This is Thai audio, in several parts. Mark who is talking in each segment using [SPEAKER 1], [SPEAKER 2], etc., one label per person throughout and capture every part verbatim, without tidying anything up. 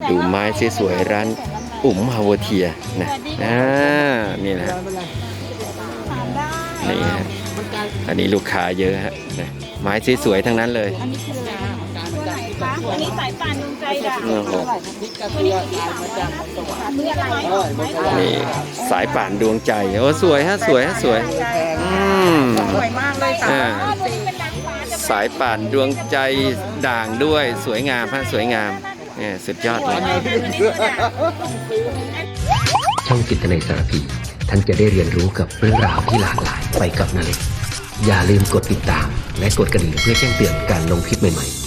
[SPEAKER 1] ดูไม้สวยๆร้านอุ๋มฮาวเทียนะอ่านี่นะนี่ฮะอันนี้ลูกค้าเยอะฮะนะไม้สวยๆทั้งนั้นเลย
[SPEAKER 2] อันนี้คืออะไรตัวไหนคะอันนี้สายป่านดวงใจด่างตัวนี้ที่สามร้อยห้าสิบบาทนี่อะไร
[SPEAKER 1] นี่สายป่านดวงใจโอ้สวยฮะสวยฮะสวยอืม
[SPEAKER 2] สวยมากเลยค่ะ
[SPEAKER 1] สายป่านดวงใจด่างด้วยสวยงามฮะสวยงามเนี่ยสุดยอดเลย
[SPEAKER 3] ช่องจิตนาสารพีท่านจะได้เรียนรู้กับเรื่องราวที่หลากหลายไปกับนาเล็กอย่าลืมกดติดตามและกดกระดิ่งเพื่อแจ้งเตือนการลงคลิปใหม่ๆ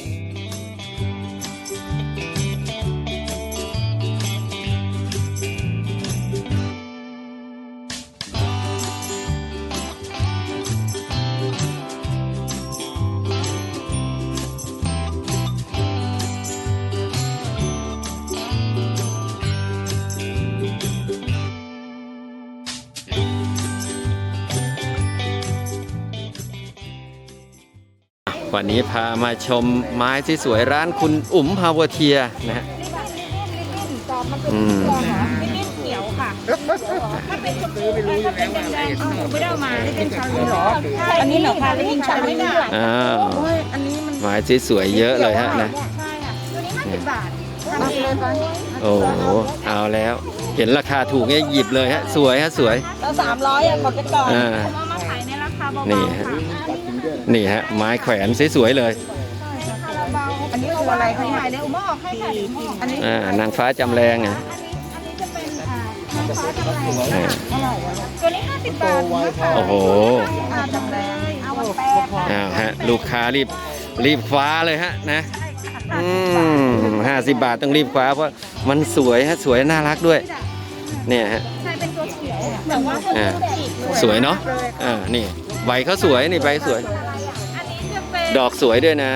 [SPEAKER 1] วันนี้พามาชมไม้ที่สวยร้านคุณอุ๋มฮาวเทียนะฮะอืม
[SPEAKER 2] เขียวค่ะถ้าเป็นชมพูถ้าเป็นแดงๆเอาไม่ได้มานี่เป็นชาลีหรออันนี้เหรอคะแล้วยิงชาลี
[SPEAKER 1] อ้าว
[SPEAKER 2] อันนี้มัน
[SPEAKER 1] ไม้ที่สวยเยอะเลยฮะนะ
[SPEAKER 2] ใช่ค่ะตัวนี้ห้าสิบบาท
[SPEAKER 1] โอ้โหเอาแล้วเห็นราคาถูกเนี่ยหยิบเลยฮะสวยฮะสวย
[SPEAKER 2] แล้วสามร้อยอ่ะหมดไปก่อน
[SPEAKER 1] เอา
[SPEAKER 2] มาขายในราคาเบาๆ
[SPEAKER 1] นี่ฮะนี่ฮะไม้แขวนสวยๆเลย
[SPEAKER 2] อันนี้คืออะไรคะถ่ายเลยอุ้มออกให้ค่ะอันนี้
[SPEAKER 1] อ่านางฟ้าจำแรงอ่ะ
[SPEAKER 2] อันนี้จะเป็นอ่านางฟ้าจำแรงตัวนี้ห้าสิบบาท
[SPEAKER 1] โอ้โห
[SPEAKER 2] จำแรงเอาแปด
[SPEAKER 1] อ้าวฮะลูกค้ารีบรีบคว้าเลยฮะนะอืมห้าสิบบาทต้องรีบคว้าเพราะมันสวยฮะสวยน่ารักด้วยเนี่ยฮะ
[SPEAKER 2] ใช่เป็นตัวเขียวแต่ว่า
[SPEAKER 1] อ่าสวยเนาะอ่านี่ใบเขาสวยนี่ใบสวยดอกสวยด้วยนะ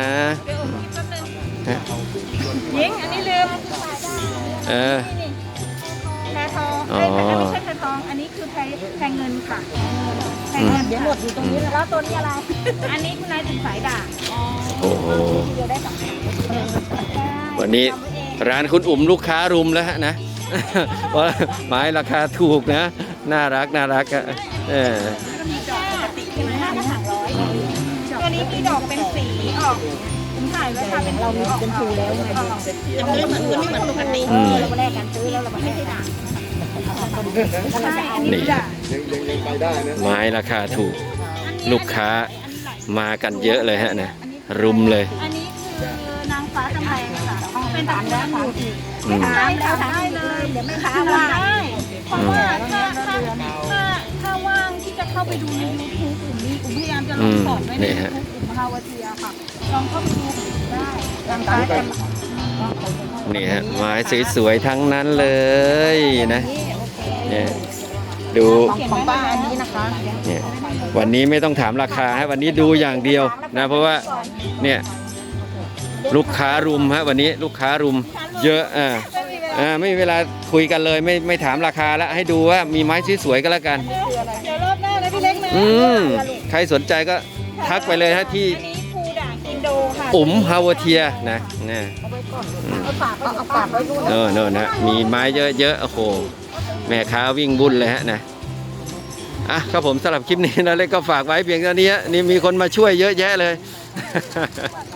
[SPEAKER 2] ยิงอันนี้ลืม
[SPEAKER 1] เออ
[SPEAKER 2] แพรทองไม่ใช่แพรทองอันนี้คือแพรแพรเงินค่ะแพรเงินเดี๋ยวหมดอยู่ตรงนี้แล้วตัวนี้อะไรอันนี้คุณนายถึงสายด่าง
[SPEAKER 1] โอ้โหวันนี้ร้านคุณอุ๋มลูกค้ารุมแล้วฮะนะเพราะไม้ราคาถูกนะน่ารักน่ารักอ่ะเออ
[SPEAKER 2] ตัวนี้มีดอกเป็นสีออกผมถ่ายไว้ค่ะเป็นเราเป็นภูแล้วไงจะไม่เหมือนจะไม่เหมือนปกติเราแรกกันซื้อแล้วเราไม่ใช่ด่าง
[SPEAKER 1] นี่ไม้ราคาถูกลูกค้ามากันเยอะเลยฮะนะรุมเลย
[SPEAKER 2] อันนี้คือนางฟ้าจำแรงค่ะเป็นตามแรงอยู่อีกได้แล้วได้เลยเดี๋ยวแม่ค้าว่างได้เพราะว่าถ้าถ้าถ้าถ้าว่างที่จะเข้าไปดูในยูทูบกลุ่มนี้กลุ่มพยายามจะลงสอนไว้ในยูทูบกลุ่มฮาวเทียค่ะลองเข้าไปดูได้นางฟ้าจำ
[SPEAKER 1] นี่ฮะไม้สวยๆทั้งนั้นเลยนะเนี่ยดู
[SPEAKER 2] ของป้าอันนี้นะคะ
[SPEAKER 1] เนี่ยวันนี้ไม่ต้องถามราคาฮะวันนี้ดูอย่างเดียวนะเพราะว่าเนี่ยลูกค้ารุมฮะวันนี้ลูกค้ารุมเยอะอ่าอ่าไม่มีเวลาคุยกันเลยไม่ไม่ถามราคาแล้วให้ดูว่ามีไม้สวยๆก็แล้วกัน
[SPEAKER 2] เดี๋ยวรอบหน้านะพี่เล็กนะ
[SPEAKER 1] อืมใครสนใจก็ทักไปเลยฮะที่อุ๋มฮาวเทียนะนะ
[SPEAKER 2] เอาปากเอาปากไว้ดู
[SPEAKER 1] เออเนอะนะมีไม้เยอะๆโอ้โหแม่ค้าวิ่งบุญเลยฮะนะอ่ะครับผมสำหรับคลิปนี้นะเล็กก็ฝากไว้เพียงเท่านี้นี่มีคนมาช่วยเยอะแยะเลย